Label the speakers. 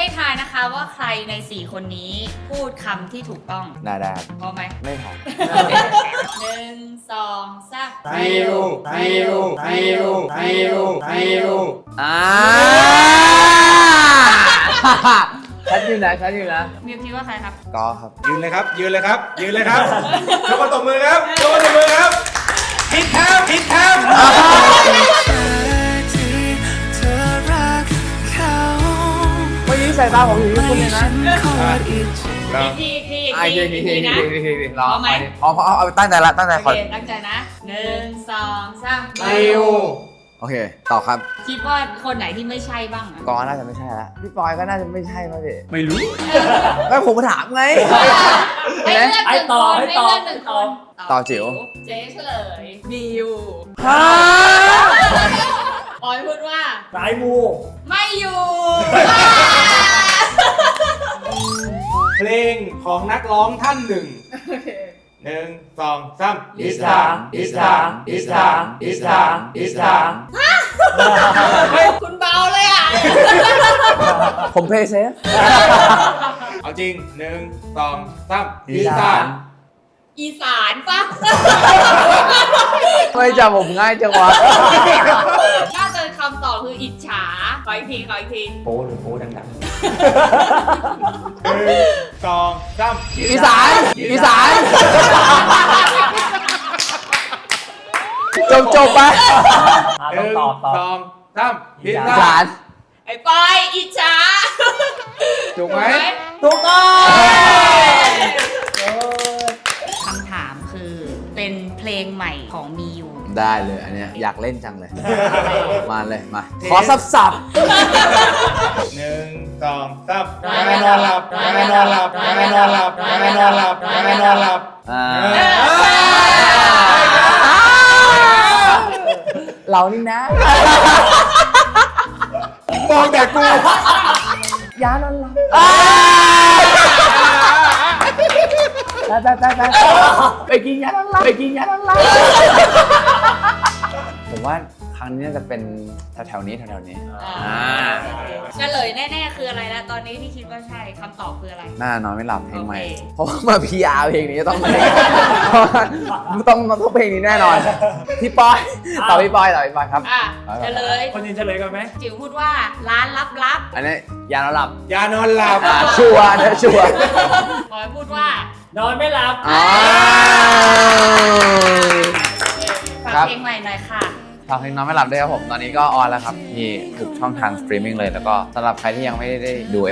Speaker 1: ให้ทายนะคะว่าใครใน4คนนี้พูดคำที่ถูกต้อง
Speaker 2: ได้
Speaker 1: พร้อมไหม
Speaker 2: ไม่พอ
Speaker 1: 1 2 3
Speaker 3: ไทยูไทยูไทยูไทยูไทยู
Speaker 2: ฉันอยู่นะฉันอยู่นะ
Speaker 1: มิวคิดว่าใครครับ
Speaker 2: ก็ครับ
Speaker 3: ยืนเลยครับยืนเลยครับยืนเลยครับยกตบมือครับยกตบมือครับผิดครับผิดครับ
Speaker 2: วันนี้สายตาผมอยู่ที่คุณเลยนะ
Speaker 1: ทีนะ
Speaker 2: รอไหมเอาตั้งใจละตั้งใจ
Speaker 1: โอ
Speaker 2: คอย
Speaker 1: เคตั้งใจนะ1 2 3
Speaker 3: ไทยู
Speaker 2: โอเคต่อครับ
Speaker 1: คิดว่าคนไหนที่ไม่ใช่บ้างอะ
Speaker 2: กอน่าจะไม่ใช่ละพี่ปอยก็น่าจะไม่ใช่ป่ะพี่
Speaker 3: ไม่รู้
Speaker 2: ไม่ผมถามไง
Speaker 1: ให้เลือกหนึ่งคนให้เลือกหนึ่งคน
Speaker 2: ต่อจิ๋ว
Speaker 1: เจ๊เฉลยบิว
Speaker 2: ฮ่า
Speaker 1: ออยพูดว่า
Speaker 3: สายมู
Speaker 1: ไม่อยู่
Speaker 3: เพลงของนักร้องท่านหนึ่ง1 2 3 It's time It's time It's time It's time It's time
Speaker 1: คุณเบาเลยอ่ะ
Speaker 2: ผมเพย์เซฟ
Speaker 3: เอาจริง1 2 3 It's time
Speaker 1: อีสานปะ
Speaker 2: ไม่จำผมง่ายจังวะ
Speaker 1: น่าจะคำตอบคืออิจฉาขออีกทีขออีกที
Speaker 3: โป้หรือโป้ดังๆ1 2 3
Speaker 2: อีสานอีสานจบไป
Speaker 3: 1 2 3 It's
Speaker 2: อีสาน
Speaker 3: time
Speaker 1: ไอ้ปอยอิจฉา
Speaker 3: ถูกไหม
Speaker 2: ถูกต้อง
Speaker 1: คำถามคือเป็นเพลงใหม่ของมิว
Speaker 2: ได้เลยอันเนี้ยอยากเล่นจังเลย มาเลยมา ขอสับ
Speaker 3: 1 2 3ยังไงนอนหลับยังไงนอนหลับยังไงนอนหลับยังไงนอนหลับยังไงนอนหลับ
Speaker 2: เรานี่นะ
Speaker 3: มองแต่กู
Speaker 2: ยานอนหลับไปกินยานอนหลับไปกินยานอนหลับผมว่าครั้งนี้น่าจะเป็นแถวๆนี้แถวๆนี้
Speaker 1: เฉลยแน่ๆคืออะไรแล้วตอนนี้ที่คิดว่าใช่คำตอบคืออะไร
Speaker 2: น่านอนไม่หลับเพลงใหม่
Speaker 1: โอเค
Speaker 2: เพราะว่ามาพีอาร์เพลงนี้ต้องต้องเพลงนี้แน่นอน พี่ปอยต่อพี่ปอยครับ
Speaker 1: อ่ะเฉลย
Speaker 3: คนยินเฉลยกันไหม
Speaker 1: จิ๋วพูดว่าร้านลับ
Speaker 2: อันนี้ยานอนหลับ
Speaker 3: ยานอนหลับ
Speaker 2: ชัวร์นะชัวร์
Speaker 1: ๆปอยพูดว่าน
Speaker 3: อนไม่หลับ
Speaker 1: ฝาก
Speaker 2: ครับ
Speaker 1: เพลงใหม่หน่อยค่ะ
Speaker 2: ฝากเพลงนอนไม่หลับด้วยครับผม ตอนนี้ก็ออนแล้วครับที่ทุกช่องทางสตรีมมิ่งเลย แล้วก็สำหรับใครที่ยังไม่ได้ดู